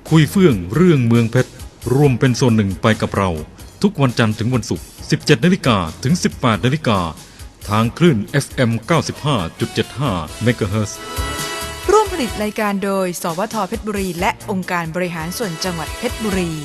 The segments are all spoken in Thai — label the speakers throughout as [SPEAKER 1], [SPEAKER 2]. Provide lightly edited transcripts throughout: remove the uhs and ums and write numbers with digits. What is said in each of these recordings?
[SPEAKER 1] คุยเฟื่องเรื่องเมืองเพชรรวมเป็นส่วนหนึ่งไปกับเราทุกวันจันทร์ถึงวันศุกร์ 17 นาฬิกาถึง 18 นาฬิกาทางคลื่น FM 95.75 เมกะเฮิรตซ์
[SPEAKER 2] ร่วมผลิตรายการโดยสวท.เพชรบุรีและองค์การบริหารส่วนจังหวัดเพชรบุรี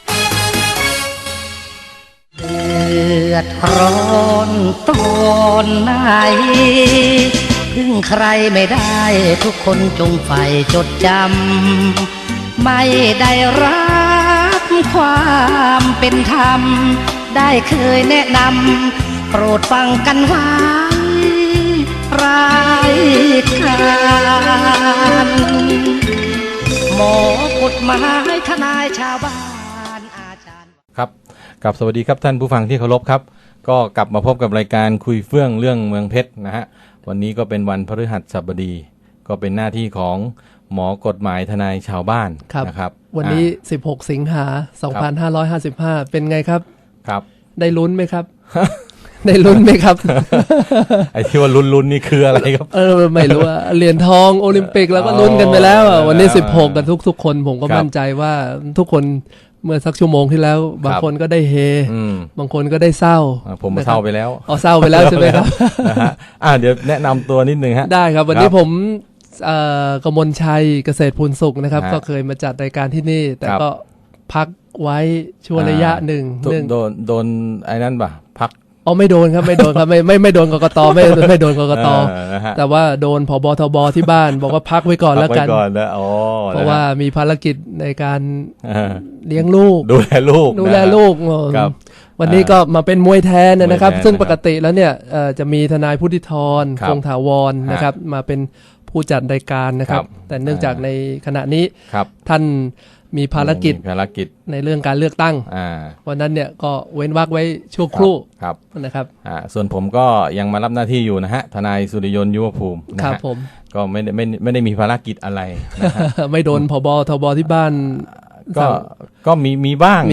[SPEAKER 3] เดือดร้อนตอนไหนพึ่งใครไม่ได้ทุกคนจงใฝ่จดจำไม่ได้รับความเป็นธรรมได้เคยแนะนำโปรดฟังกันไว้รายการหมอกฎหมายทนายชาวบ้านอาจารย์
[SPEAKER 4] ครับกับสวัสดีครับท่านผู้ฟังที่เคารพครับก็กลับมาพบกับรายการคุยเฟื่องเรื่องเมืองเพชรนะฮะวันนี้ก็เป็นวันพฤหัสบดีก็เป็นหน้าที่ของหมอกฎหมายทนายชาวบ้านนะครับ
[SPEAKER 5] วันนี้16สิงหา2555เป็นไงครับ
[SPEAKER 4] ครับ
[SPEAKER 5] ได้ลุ้นไหมครับ ได้ลุ้นไหมครับ
[SPEAKER 4] ไอ้ที่ว่าลุ้นนี่คืออะไรครับ
[SPEAKER 5] ไม่รู้ว่าเหรียญทองโอลิมปิกแล้วก็ลุ้นกันไปแล้ววันนี้16กันทุกคนผมก็มั่นใจว่าทุกคนเมื่อสักชั่วโมงที่แล้วบางคนก็ได้เฮบางคนก็ได้เศร้า
[SPEAKER 4] ผมเศร้าไปแล้ว
[SPEAKER 5] เศร้าไปแล้วใช่ไหมครับ
[SPEAKER 4] นะฮะเดี๋ยวแนะนำตัวนิดนึงฮะ
[SPEAKER 5] ได้ครับวันนี้ผมกมลชัยเกษตรพูนสุขนะครับก็เคยมาจัดรายการที่นี่แต่ก็พักไว้ช่วงระยะหนึ่ง
[SPEAKER 4] โดนไอ้นั่นป่ะพัก
[SPEAKER 5] ไม่โดนครับไม่โดนครับไม่โดนกกตไม่โดนกกตแต่ว่าโดนผบทบที่บ้านบอกว่าพักไว้ก่อนแล้วกันเพราะว่ามีภารกิจในการเลี้ยงลูก
[SPEAKER 4] ดูแลลูก
[SPEAKER 5] วันนี้ก็มาเป็นมวยแทนนะครับซึ่งปกติแล้วเนี่ยจะมีทนายพุทธิธรคงถาวรนะครับมาเป็นผู้จัดรายการนะครับแต่เนื่องจากในขณะนี้ท่านมีภารกิจในเรื่องการเลือกตั้งวันนั้นเนี่ยก็เว้นวรรคไว้ชั่วครู่นะครับ
[SPEAKER 4] ส่วนผมก็ยังมารับหน้าที่อยู่นะฮะทนายสุริยนต์ยุวภูมิ
[SPEAKER 5] ครับผม
[SPEAKER 4] ก็ไม่ได้มีภารกิจอะไรนะฮะ
[SPEAKER 5] ไม่โดนผบทบที่บ้าน
[SPEAKER 4] ก็มีบ้าง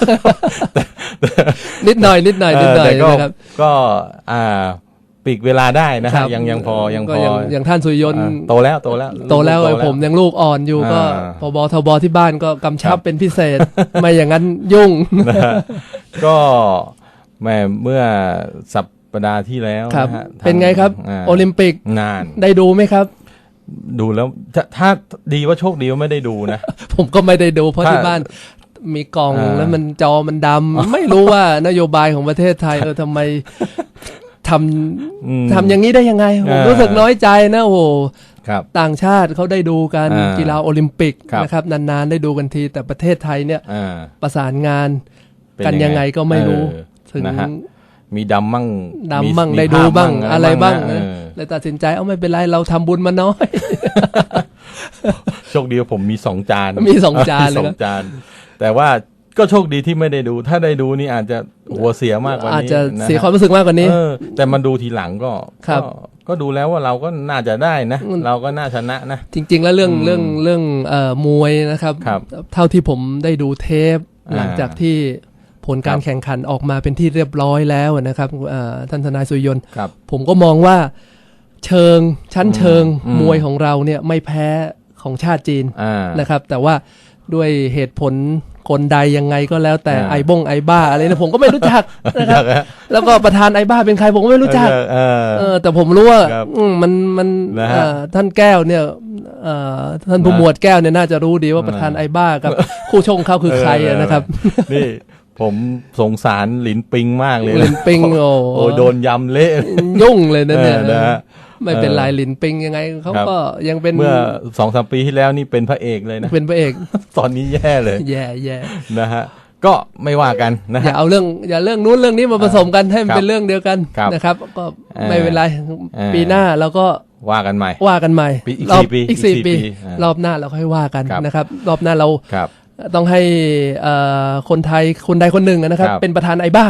[SPEAKER 5] นิดหน่อยนะครับ
[SPEAKER 4] ก็ปีกเวลาได้นะฮะยังพอ
[SPEAKER 5] อย่างท่านสุริยนต์
[SPEAKER 4] โตแล้ว
[SPEAKER 5] ผมยังลูกอ่อนอยู่ก็ผบทบที่บ้านก็กำชับเป็นพิเศษไม่อย่างนั้นยุ่ง
[SPEAKER 4] ก็แม่เมื่อสัปดาห์ที่แล้วนะฮะ
[SPEAKER 5] เป็นไงครับโอลิมปิก
[SPEAKER 4] นาน
[SPEAKER 5] ได้ดูไหมครับ
[SPEAKER 4] ดูแล้วถ้าดีว่าโชคดีว่าไม่ได้ดูนะ
[SPEAKER 5] ผมก็ไม่ได้ดูเพราะที่บ้านมีกล่องแล้วมันจอมันดำไม่รู้ว่านโยบายของประเทศไทยทำไมทำอย่างนี้ได้ยังไงผมรู้สึกน้อยใจนะโอ้ต่างชาติเขาได้ดูกันกีฬาโอลิมปิกนะครับนานๆได้ดูกันทีแต่ประเทศไทยเนี่ยประสานงานกันยังไงก็ไม่รู้ถึง
[SPEAKER 4] มีดำมั่ง
[SPEAKER 5] ได้ดูบ้างอะไรบ้างเลยตัดสินใจไม่เป็นไรเราทำบุญมาน้อย
[SPEAKER 4] โชคดีว่าผมมี2 จาน
[SPEAKER 5] เลย
[SPEAKER 4] แต่ว่าก็โชคดีที่ไม่ได้ดูถ้าได้ดูนี่อาจจะหัวเสียมากกว่านี้
[SPEAKER 5] อาจจะเสียความรู้สึกมากกว่านี้
[SPEAKER 4] แต่มันดูทีหลังก็ดูแล้วว่าเราก็น่าจะได้นะเราก็น่าชนะนะ
[SPEAKER 5] จริงๆแล้วเรื่องมวยนะครับเท่าที่ผมได้ดูเทปหลังจากที่ผลการแข่งขันออกมาเป็นที่เรียบร้อยแล้วนะครับท่านทนายสุริยนต์ผมก็มองว่าชั้นเชิงมวยของเราเนี่ยไม่แพ้ของชาติจีนนะครับแต่ว่าด้วยเหตุผลคนใดยังไงก็แล้วแต่ไอบ้าอะไรนะผมก็ไม่รู้จักนะครับแล้วก็ประธานไอบ้าเป็นใครผมก็ไม่รู้จักแต่ผมรู้ว่ามันท่านแก้วเนี่ยท่านผู้หมวดแก้วเนี่ยน่าจะรู้ดีว่าประธานไอบ้ากับคู่ชกเขาคือใครนะครับ
[SPEAKER 4] นี่ผมสงสารหลินปิงมากเลย
[SPEAKER 5] หลินปิง
[SPEAKER 4] โอ้โดนยำเละ
[SPEAKER 5] ยุ่งเลยนะเนี่ยไม่เป็นไรหลินปิงยังไงเขาก็ยังเป็น
[SPEAKER 4] เมื่อ 2-3 ปีที่แล้วนี่เป็นพระเอกเลยนะ
[SPEAKER 5] เป็นพระเอก
[SPEAKER 4] ตอนนี้แย่เลย
[SPEAKER 5] แย่
[SPEAKER 4] นะฮะก็ไม่ว่ากันนะ
[SPEAKER 5] อย่าเอาเรื่องนู้นเรื่องนี้มาผสมกันให้มันเป็นเรื่องเดียวกันนะครับก็ไม่เป็นไรปีหน้าเราก็
[SPEAKER 4] ว่ากันใหม่
[SPEAKER 5] อีก4 ปีรอบหน้าเราค่อยว่ากันนะครับรอบหน้าเราต้องให้คนไทยคนใดคนหนึ่งนะครับเป็นประธานไอบ้า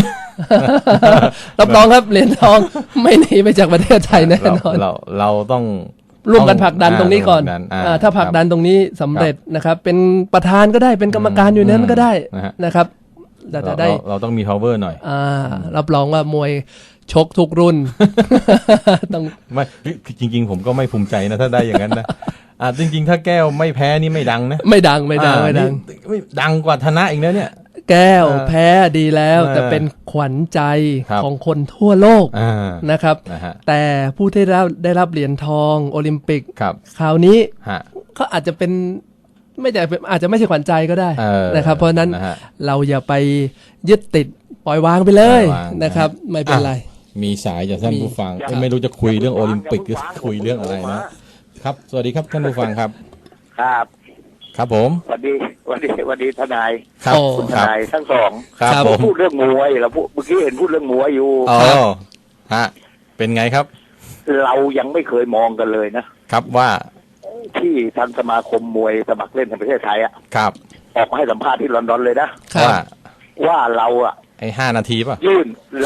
[SPEAKER 5] รับรองครับเหรียญทองไม่หนีไปจากประเทศไทยแน่นอน
[SPEAKER 4] เราต้อง
[SPEAKER 5] ร่วมกันผลักดันตรงนี้ก่อนถ้าผลักดันตรงนี้สำเร็จนะครับเป็นประธานก็ได้เป็นกรรมการอยู่นั้นก็ได้นะครับเราจะได้
[SPEAKER 4] เราต้องมี power หน่อย
[SPEAKER 5] รับรองว่ามวยชกทุกรุ่น
[SPEAKER 4] ต้องไม่จริงๆผมก็ไม่ภูมิใจนะถ้าได้อย่างนั้นนะจริงๆถ้าแก้วไม่แพ้นี่ไม่ดังนะ
[SPEAKER 5] ไม่ดังไม่ดังไม่ดัง
[SPEAKER 4] ไม่ดังกว่าธนะอีกนะเนี่ย
[SPEAKER 5] แก้วแพ้ดีแล้วแต่เป็นขวัญใจของคนทั่วโลกนะครับแต่ผู้ที่ได้รับเหรียญทองโอลิมปิกคราวนี้เขาอาจจะเป็นอาจจะไม่ใช่ขวัญใจก็ได้นะครับเพราะนั้นเราอย่าไปยึดติดปล่อยวางไปเลยนะครับไม่เป็นไร
[SPEAKER 4] มีสายจากท่านผู้ฟังไม่รู้จะคุยเรื่องโอลิมปิกหรือคุยเรื่องอะไรนะครับสวัสดีครับท่านผู้ฟังครับครับผม
[SPEAKER 6] สวัสดีทนายครับคุณทนายทั้งสอง
[SPEAKER 4] ครับผม
[SPEAKER 6] พูดเรื่องมวยเราเมื่อกี้เห็นพูดเรื่องมวยอยู่
[SPEAKER 4] ฮะเป็นไงครับ
[SPEAKER 6] เรายังไม่เคยมองกันเลยนะครับ
[SPEAKER 4] ว่า
[SPEAKER 6] ที่ทางสมาคมมวยสมัครเล่นในประเทศไทยอ่ะ
[SPEAKER 4] ครับ
[SPEAKER 6] ออกมาให้สัมภาษณ์ที่ลอนดอนเลยนะว่าเราอ่ะ
[SPEAKER 4] ไอ้5 นาทีป่ะ
[SPEAKER 6] ยื่น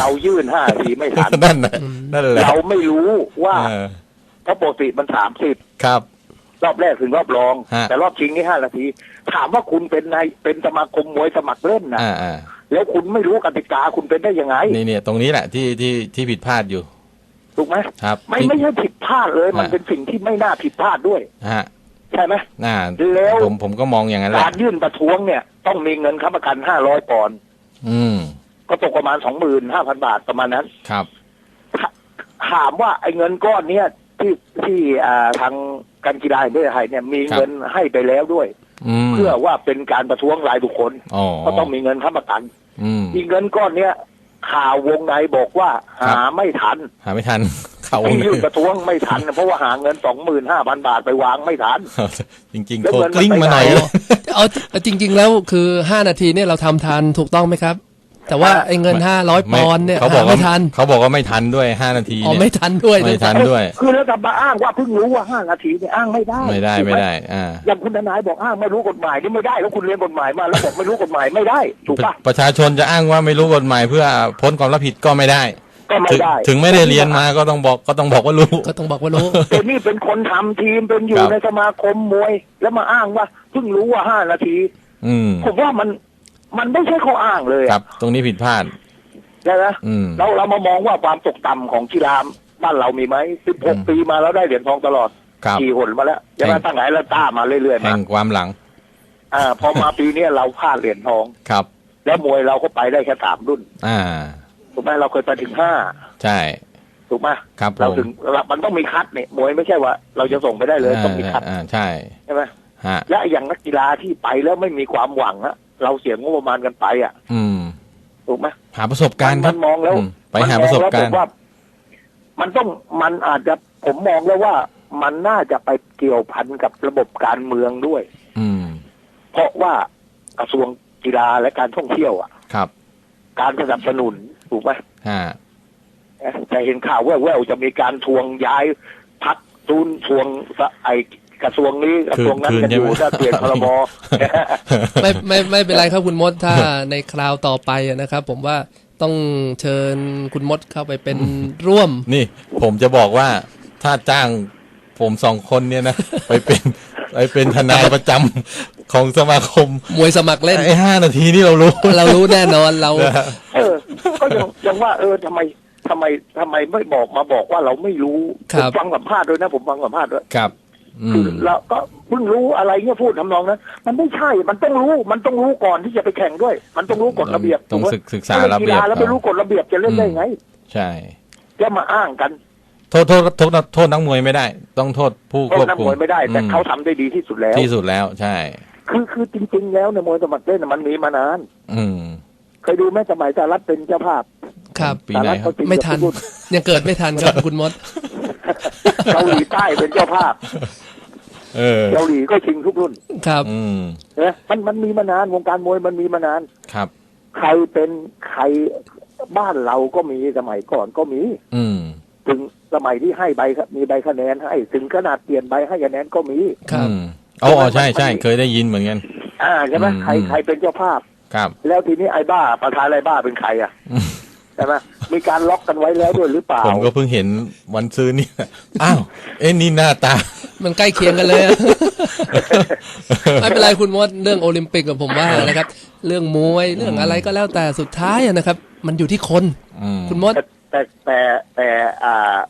[SPEAKER 6] 5 นาทีไม่ทัน
[SPEAKER 4] นั่นแหละ
[SPEAKER 6] เราไม่รู้ว่าเพราะปกติมัน30
[SPEAKER 4] ครับ
[SPEAKER 6] รอบแรกถึงรอบรองแต่รอบชิงนี่5 นาทีถามว่าคุณเป็นสมาคมมวยสมัครเล่นนะแล้วคุณไม่รู้กติกาคุณเป็นได้ยังไง
[SPEAKER 4] นี่ตรงนี้แหละที่ผิดพลาดอยู่
[SPEAKER 6] ถูกไหม
[SPEAKER 4] ครับ
[SPEAKER 6] ไม่ใช่ผิดพลาดเลยมันเป็นสิ่งที่ไม่น่าผิดพลาดด้วยใช่ไหม
[SPEAKER 4] แล้วผมก็มองอย่างนั้นแหละ
[SPEAKER 6] การยื่นประท้วงเนี่ยต้องมีเงินค้ำประกัน500 ปอนด์ก็ตกประมาณ 25,000 บาทประมาณนั้น
[SPEAKER 4] ครับ
[SPEAKER 6] ถามว่าไอ้เงินก้อนเนี้ยที่ทางการกีฬาแห่งประเทศไทยเนี่ยมีเงินให้ไปแล้วด้วยเพื่อว่าเป็นการประท้วงรายบุคคลก็ต้องมีเงินค้ำประกันอีกเงินก้อนเนี้ยข่าววงในบอกว่าหาไม่ทัน
[SPEAKER 4] ข่าววงใน
[SPEAKER 6] ยื่นประท้วงไม่ทันเพราะว่าหาเงิน 25,000 บาทไปวางไม่ทัน
[SPEAKER 4] จริงๆโคกลิ้งมาหน่อย
[SPEAKER 5] เอาจริงๆแล้วคือ5 นาทีเนี่ยเราทำทันถูกต้องไหมครับแต่ว่าไอ้เงิน500 ปอนด์เนี่ยไม่ทัน
[SPEAKER 4] เขาบอกว่าไม่ทันด้วย5 นาทีเนี่ย
[SPEAKER 5] ไม่ทันด้วย
[SPEAKER 6] คือแล้วจะมาอ้างว่าเพิ่งรู้ว่า5 นาทีเนี่ยอ้างไม่ได้อย่างคุณทนายบอกอ้างไม่รู้กฎหมายนี่ไม่ได้แล้วคุณเรียนกฎหมายมาแล้วบอกไม่รู้กฎหมายไม่ได้ถูกปะ
[SPEAKER 4] ประชาชนจะอ้างว่าไม่รู้กฎหมายเพื่อพ้นความรับผิดก็ไม่ได้ถึงไม่ได้เรียนมาก็ต้องบอกว่ารู้
[SPEAKER 6] แต่นี่เป็นคนทำทีมเป็นอยู่ในสมาคมมวยแล้วมาอ้างว่าเพิ่งรู้ว่า5 นาทีผมว่ามันไม่ใช่ข้ออ้างเลย
[SPEAKER 4] ครับตรงนี้ผิดพลาด
[SPEAKER 6] ใช่ไหมเรามามองว่าความตกต่ำของกีฬาบ้านเรามีไหม16 ปีมาแล้วได้เหรียญทองตลอดกี่หนมาแล้วยังไงตั้งไหนแล้วต้ามาเรื่อยๆ
[SPEAKER 4] แห่งความหลัง
[SPEAKER 6] พอมาปีนี้เราพลาดเหรียญทอง
[SPEAKER 4] ครับ
[SPEAKER 6] แล้วมวยเราก็ไปได้แค่3 รุ่นถูกไหมเราเคยไปถึง5
[SPEAKER 4] ใช่
[SPEAKER 6] ถูกไหม
[SPEAKER 4] ครับ
[SPEAKER 6] เราถึงมันต้องมีคัดเนี่ยมวยไม่ใช่ว่าเราจะส่งไปได้เลยต้องมีคัด
[SPEAKER 4] ใ
[SPEAKER 6] ช่ไหมและอย่างนักกีฬาที่ไปแล้วไม่มีความหวังอะเราเสียงบประมาณกันไปถูกไหม
[SPEAKER 4] หาประสบการณ์
[SPEAKER 6] มันมองแล้ว
[SPEAKER 4] ไปหาประสบการณ์
[SPEAKER 6] ว่ามันอาจจะผมมองแล้วว่ามันน่าจะไปเกี่ยวพันกับระบบการเมืองด้วยเพราะว่ากระทรวงกีฬาและการท่องเที่ยว
[SPEAKER 4] ครับ
[SPEAKER 6] การสนับสนุนถูกไหมจะเห็นข่าวแว่วๆจะมีการทวงย้ายพักทุนทวงกระทรวงนี้กระทรวงนั้นกันอยู่ถ้าเปลี่ยนพรบ
[SPEAKER 5] ไม่เป็นไรครับคุณมดถ้าในคราวต่อไปนะครับผมว่าต้องเชิญคุณมดเข้าไปเป็นร่วม
[SPEAKER 4] นี่ผมจะบอกว่าถ้าจ้างผม2 คนเนี่ยนะไปเป็นทนายประจำของสมาคม
[SPEAKER 5] มวยสมัครเล่น
[SPEAKER 4] ไอ้5 นาทีนี่เรารู้
[SPEAKER 5] แน่นอนเรา
[SPEAKER 6] ก็ยังว่าทำไมไม่บอกว่าเราไม่รู้ผมฟังสัมภาษณ์ด้วยนะผมฟังสัมภาษณ์ด้วย
[SPEAKER 4] ครับ
[SPEAKER 6] คือเราก็เพิ่งรู้อะไรเงี้ยพูดทำนองนั้นมันไม่ใช่มันต้องรู้ก่อนที่จะไปแข่งด้วยมันต้องรู้กฎระเบียบ
[SPEAKER 4] ต้องศึกษาระเบียบ
[SPEAKER 6] แล้วไม่รู้กฎระเบียบจะเล่นได้ไง
[SPEAKER 4] ใช่
[SPEAKER 6] จะมาอ้างกัน
[SPEAKER 4] โทษนักมวยไม่ได้ต้องโทษผู้ควบคุม
[SPEAKER 6] นักมวยไม่ได้แต่เขาทำได้ดีที่สุด
[SPEAKER 4] แล้วใช่
[SPEAKER 6] คือจริงๆแล้วในมวยสมัครเล่นมันมีมานานเคยดูแม่สมัยสหรัฐเป็นเจ้าภาพ
[SPEAKER 5] ครับปีไหนไม่ทันยังเกิดไม่ทันครับคุณมด
[SPEAKER 6] เกาหลีใต้เป็นเจ้าภาพเกาหลีก็ชิงทุกรุ่น
[SPEAKER 5] ครับ
[SPEAKER 6] มันมีมานานวงการมวยมันมีมานาน
[SPEAKER 4] ครับ
[SPEAKER 6] ใครบ้านเราก็มีสมัยก่อนก็มีถึงสมัยที่ให้มีใบคะแนนให้ถึงขนาดเปลี่ยนใบให้คะแนนก็มี
[SPEAKER 4] ครับใช่เคยได้ยินเหมือนกัน
[SPEAKER 6] ใช่ไหมใครเป็นเจ้าภาพ
[SPEAKER 4] ครับ
[SPEAKER 6] แล้วทีนี้ไอ้บ้าประธานไอ้บ้าเป็นใครใช่ไหมมีการล็อกกันไว้แล้วด้วยหรือเปล่า
[SPEAKER 4] ผมก็เพิ่งเห็นวันซื้อนี่อ้าวนี่หน้าตา
[SPEAKER 5] มันใกล้เคียงกันเลยไม่เป็นไรคุณมดเรื่องโอลิมปิกกับผมว่านะครับเรื่องมวยเรื่องอะไรก็แล้วแต่สุดท้ายนะครับมันอยู่ที่คนคุณมด
[SPEAKER 6] แต่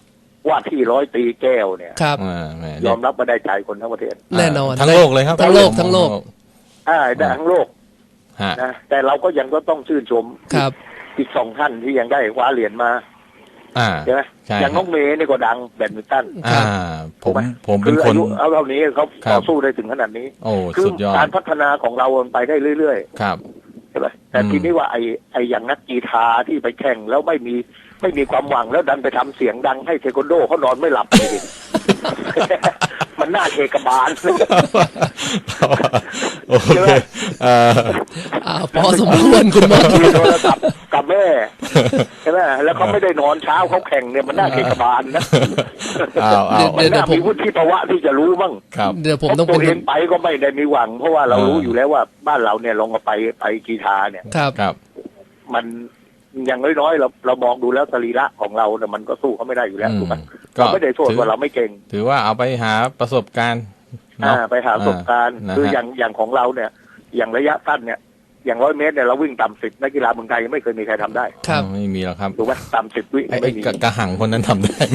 [SPEAKER 6] ว่าที่ร้อยตรีแก้วเนี่ย
[SPEAKER 5] ครับ
[SPEAKER 6] ยอมรับมาได้ใจคนทั้งประเทศ
[SPEAKER 5] แน่นอน
[SPEAKER 4] ทั้งโลกเลยครับ
[SPEAKER 5] ทั้งโลก
[SPEAKER 6] ได้ทั้งโลกนะแต่เราก็ยังก็ต้องชื่นชม
[SPEAKER 5] ครับ
[SPEAKER 6] อีก2 ท่านที่ยังได้คว้าเหรียญมาใช่ไหมอย่างน้องเมย์นี่ก็ดังแบดมินตัน
[SPEAKER 4] ผมเป็นคน
[SPEAKER 6] เอาเท่านี้เขาต่อสู้ได้ถึงขนาดนี้คือการพัฒนาของเราไปได้เรื่อยๆ
[SPEAKER 4] ครับ
[SPEAKER 6] ใช่ไหมแต่ทีนี้ว่าไอ้อย่างนักกีฬาที่ไปแข่งแล้วไม่มีความหวังแล้วดันไปทำเสียงดังให้เทควันโดเขานอนไม่หลับเลย มันน่าเทกบาล
[SPEAKER 4] โอเค
[SPEAKER 5] พอสมควรคุณหมอ
[SPEAKER 6] คุยโทรศัพท์กับแม่ใช่ไหมแล้วเขาไม่ได้นอนเช้าเขาแข่งเนี่ยมันน่าเทกบาลนะมันน่ามีวุฒิภาวะที่จะรู้บ้าง
[SPEAKER 5] เดี๋ยวผมต้อง
[SPEAKER 6] ตัวเองไปก็ไม่ได้มีหวังเพราะว่าเรารู้อยู่แล้วว่าบ้านเราเนี่ยลงมาไปกีฬาเนี่ยมันอย่างน้อยๆเรามองดูแล้วสรีระของเราเนี่ยมันก็สู้เขาไม่ได้อยู่แล้วถูกไหมก็ไม่ได้โทษว่าเราไม่เก่ง
[SPEAKER 4] ถือว่าเอาไปหาประสบการณ์
[SPEAKER 6] ไปหาประสบการณ์คืออย่างของเราเนี่ยอย่างระยะสั้นเนี่ยอย่าง100 เมตรเนี่ยเราวิ่งต่ำ10นักกีฬาเมืองไทยยังไม่เคยมีใครทำได้
[SPEAKER 4] ครับไม่มีหรอกครับ
[SPEAKER 6] ถูกไหมต่ำ10 วิไม่มี
[SPEAKER 4] กระหังคนนั้นทำได้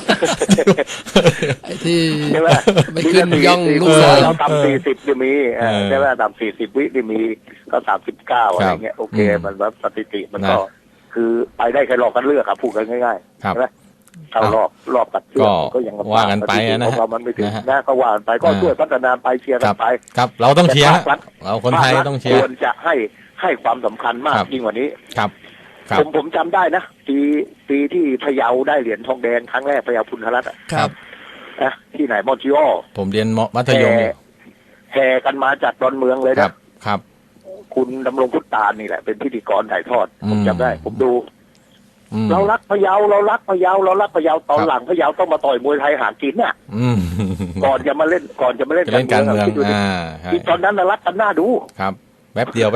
[SPEAKER 5] ไอ้ที่ไม่ขึ้นย่องลูก
[SPEAKER 6] เราต่ำ40จะมีใช่ไหมต่ำ40 วิจะมีก็39อะไรเงี้ยโอเคมันแบบสถิติมันก็คือไปได้แค่รอบกันเลือกครับพูดกันง่ายๆใช่ไหมเข้ารอบตัดเชือกก็ยัง
[SPEAKER 4] ว่ากันไปนะ
[SPEAKER 6] ฮะมันไม่ถึงนะก็ว่ากันไปก็ช่วยพัฒนาไปเชียร์กันไป
[SPEAKER 4] ครับเราต้องเชียร์เราคนไทยต้องเชียร์
[SPEAKER 6] ควรจะให้ความสำคัญมากยิ่งกว่านี้
[SPEAKER 4] ครับ
[SPEAKER 6] ผมจำได้นะปีที่พะเยาได้เหรียญทองแดงครั้งแรกพะเยาพุนธรัตน์
[SPEAKER 5] ครับ
[SPEAKER 6] นะที่ไหนมอนจิโอ
[SPEAKER 4] ผมเรียนมัธยม
[SPEAKER 6] แห่กันมาจากดอนเมืองเลยนะครับคุณดำรงพุทธานี่แหละเป็นพิธีกรถ่ายทอดผมจำได้ผมดูเรารักพะเยาเรารักพะเยาตอนหลังพะเยาต้องมาต่อยมวยไทยหากินน่ะก่อนจะมาเล่น
[SPEAKER 4] การเมือง
[SPEAKER 6] ที่ตอนนั้นรักกันหน้าดู
[SPEAKER 4] ครับแป๊บเดียว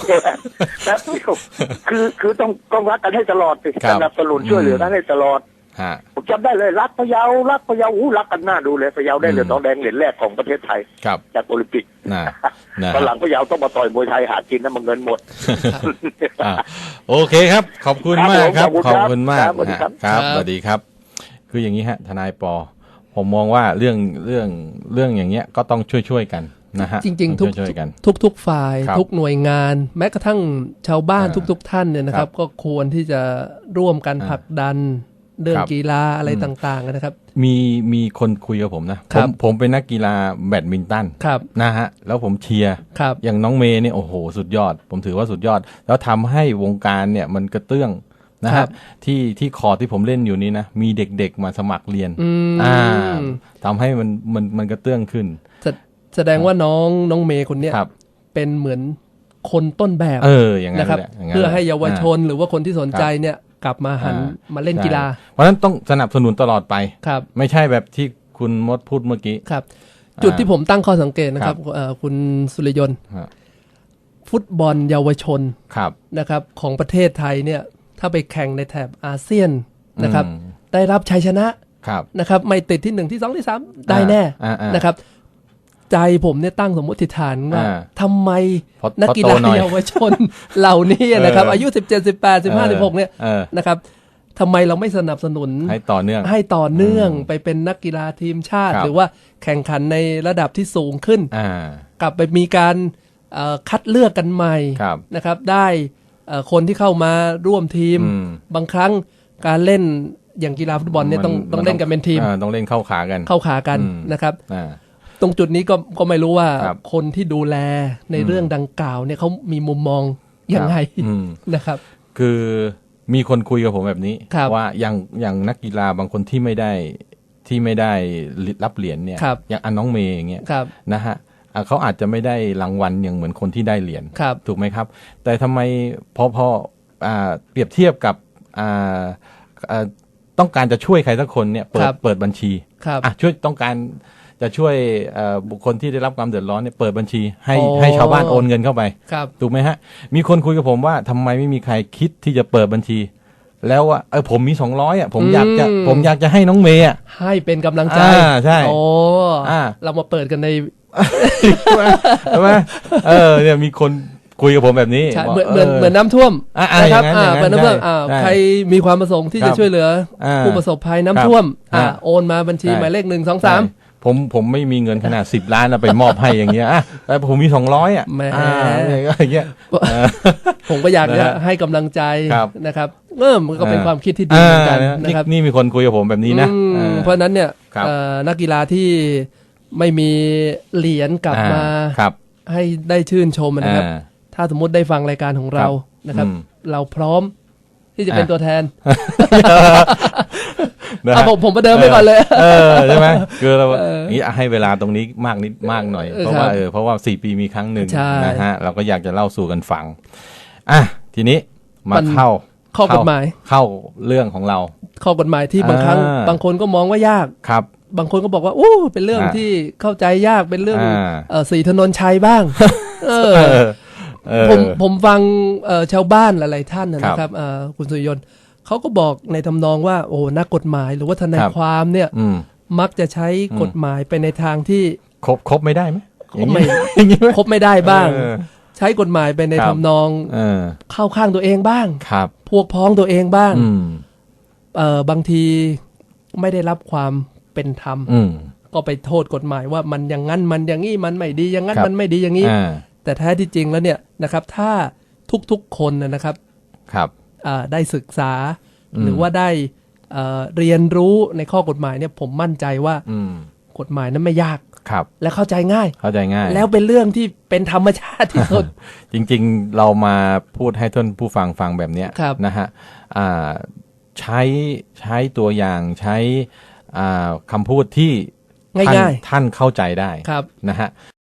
[SPEAKER 6] คือต้องรักกันให้ตลอดสิสนับสนุนช่วยเหลือกันให้ตลอดผมจำได้เลยรักพะเยารักกันหน้าดูเลยพะเยาได้เหรียญทองแดงเหรียญแรกของประเทศไทยจากโอลิมปิกตอนหลังพะเยาต้องมาต่อยมวยไทยหากินนะมันเงินหมด
[SPEAKER 4] โอเคครับขอบคุณมากครับขอบคุณมากครับสวัสดีครับคืออย่างนี้ฮะทนายปอผมมองว่าเรื่องอย่างเงี้ยก็ต้องช่วยกันนะฮะ
[SPEAKER 5] จริงๆทุกฝ่ายทุกหน่วยงานแม้กระทั่งชาวบ้านทุกท่านเนี่ยนะครับก็ควรที่จะร่วมกันผลักดันเรื่องกีฬาอะไรต่างๆนะครับ
[SPEAKER 4] มีคนคุยกับผมนะผมเป็นนักกีฬาแบดมินตันนะฮะแล้วผมเชียร์อย่างน้องเมย์เนี่ยโอ้โหสุดยอดผมถือว่าสุดยอดแล้วทำให้วงการเนี่ยมันกระเตื้องนะฮะที่คอร์ที่ผมเล่นอยู่นี้นะมีเด็กๆมาสมัครเรียนทำให้มันกระเตื้องขึ้น
[SPEAKER 5] แสดงว่าน้องเมย์คนเนี้ยเป็นเหมือนคนต้นแบบ
[SPEAKER 4] อย่าง
[SPEAKER 5] นะครับเพื่อให้เยาวชนหรือว่าคนที่สนใจเนี่ยกลับมาหันมาเล่นกีฬา
[SPEAKER 4] เพราะฉะนั้นต้องสนับสนุนตลอดไปไม่ใช่แบบที่คุณมดพูดเมื่อกี้
[SPEAKER 5] ครับจุดที่ผมตั้งข้อสังเกตนะครับคุณสุริยนต์ฟุตบอลเยาวชนนะครับของประเทศไทยเนี่ยถ้าไปแข่งในแถบอาเซียนนะครับได้รับชัยชนะนะครับไม่ติดที่1ที่2ที่3ได้แน่นะครับใจผมเนี่ยตั้งสมมติฐานว่าทำไมนักกีฬาเยาวชนเหล่านี้นะครับอายุ17 18 15 16เนี่ยนะครับทำไมเราไม่สนับสนุน
[SPEAKER 4] ให้ต่อเ
[SPEAKER 5] นื่องไปเป็นนักกีฬาทีมชาติหรือว่าแข่งขันในระดับที่สูงขึ้นกลับไปมีการคัดเลือกกันใหม่นะครับได้คนที่เข้ามาร่วมทีมบางครั้งการเล่นอย่างกีฬาฟุตบอลเนี่ยต้องเล่นกันเป็นทีม
[SPEAKER 4] ต้องเล่นเข้าขา
[SPEAKER 5] กันนะครับตรงจุดนี้ก็ไม่รู้ว่าคนที่ดูแลในเรื่องดังกล่าวเนี่ยเขามีมุมมองยังไงนะครับ
[SPEAKER 4] คือมีคนคุยกับผมแบบนี้ว่าอย่างนักกีฬาบางคนที่ไม่ได้รับเหรียญเนี่ยอย่างน้องเมย์อย่างเงี้ยนะฮะเขาอาจจะไม่ได้รางวัลอย่างเหมือนคนที่ได้เหรียญถูกไหมครับแต่ทำไมพอเปรียบเทียบกับต้องการจะช่วยใครสักคนเนี่ยเปิดบัญชีช่วยต้องการจะช่วยบุคคลที่ได้รับความเดือดร้อนเนี่ยเปิดบัญชีให้ชาวบ้านโอนเงินเข้าไปถูกไหมฮะมีคนคุยกับผมว่าทำไมไม่มีใครคิดที่จะเปิดบัญชีแล้วว่าผมมี200อ่ะผมอยากจะให้น้องเมย์
[SPEAKER 5] ให้เป็นกำลังใจ
[SPEAKER 4] ใช่
[SPEAKER 5] เรามาเปิดกันใน
[SPEAKER 4] ใช่ไหมเนี่ยมีคนคุยกับผมแบบนี้
[SPEAKER 5] ใช่เหมือนน้ำท่วมนะครับเหมือนน้ำท่วมใครมีความประสงค์ที่จะช่วยเหลือผู้ประสบภัยน้ำท่วมโอนมาบัญชีหมายเลข123
[SPEAKER 4] ผมไม่มีเงินขนาด10 ล้านไปมอบให้อย่างเงี้ยแต่ผมมี200
[SPEAKER 5] แหม
[SPEAKER 4] อย่างเงี้ย
[SPEAKER 5] ผมก็อยากจะให้กำลังใจนะครับมันก็เป็นความคิดที่ดีเหมือนกันนะครับ
[SPEAKER 4] นี่มีคนคุยกับผมแบบนี้นะ
[SPEAKER 5] เพราะนั้นเนี่ยนักกีฬาที่ไม่มีเหรียญกลับมาให้ได้ชื่นชมนะครับถ้าสมมติได้ฟังรายการของเรานะครับเราพร้อมที่จะเป็นตัวแทนผมประเดิมไปก่อนเลย
[SPEAKER 4] ใช่ไหมคือเรานี้ให้เวลาตรงนี้มากหน่อยเพราะว่า4 ปีมีครั้งหนึ่งนะฮะเราก็อยากจะเล่าสู่กันฟังทีนี้มาเข้า
[SPEAKER 5] ข้อกฎหมาย
[SPEAKER 4] เข้าเรื่องของเรา
[SPEAKER 5] ข้อกฎหมายที่บางครั้งบางคนก็มองว่ายาก
[SPEAKER 4] ครับ
[SPEAKER 5] บางคนก็บอกว่าเป็นเรื่องที่เข้าใจยากเป็นเรื่องศรีถนนชัยบ้างผมฟังชาวบ้านหลายๆท่านนะครับคุณสุริยนต์เขาก็บอกในทำนองว่านักกฎหมายหรือว่าทนายความเนี่ยมักจะใช้กฎหมายไปในทางที่
[SPEAKER 4] ครบไม่ได้ไหม
[SPEAKER 5] ครบไม่ได้บ้างใช้กฎหมายไปในทำนองเข้าข้างตัวเองบ้างพวกพ้องตัวเองบ้างบางทีไม่ได้รับความเป็นธรรมก็ไปโทษกฎหมายว่ามันอย่างนั้นมันอย่างนี้มันไม่ดีอย่างนั้นมันไม่ดีอย่างนี้แต่แท้ที่จริงแล้วเนี่ยนะครับถ้าทุกๆคนนะครับได้ศึกษาหรือว่าได้เรียนรู้ในข้อกฎหมายเนี่ยผมมั่นใจว่ากฎหมายนั้นไม่ยากและเข้าใจง่ายแล้วเป็นเรื่องที่เป็นธรรมชาติที่สุด
[SPEAKER 4] จริงๆเรามาพูดให้ท่านผู้ฟังแบบนี้นะฮะใช้ตัวอย่างใช้คำพูดที่ท่านเข้าใจได้นะฮะ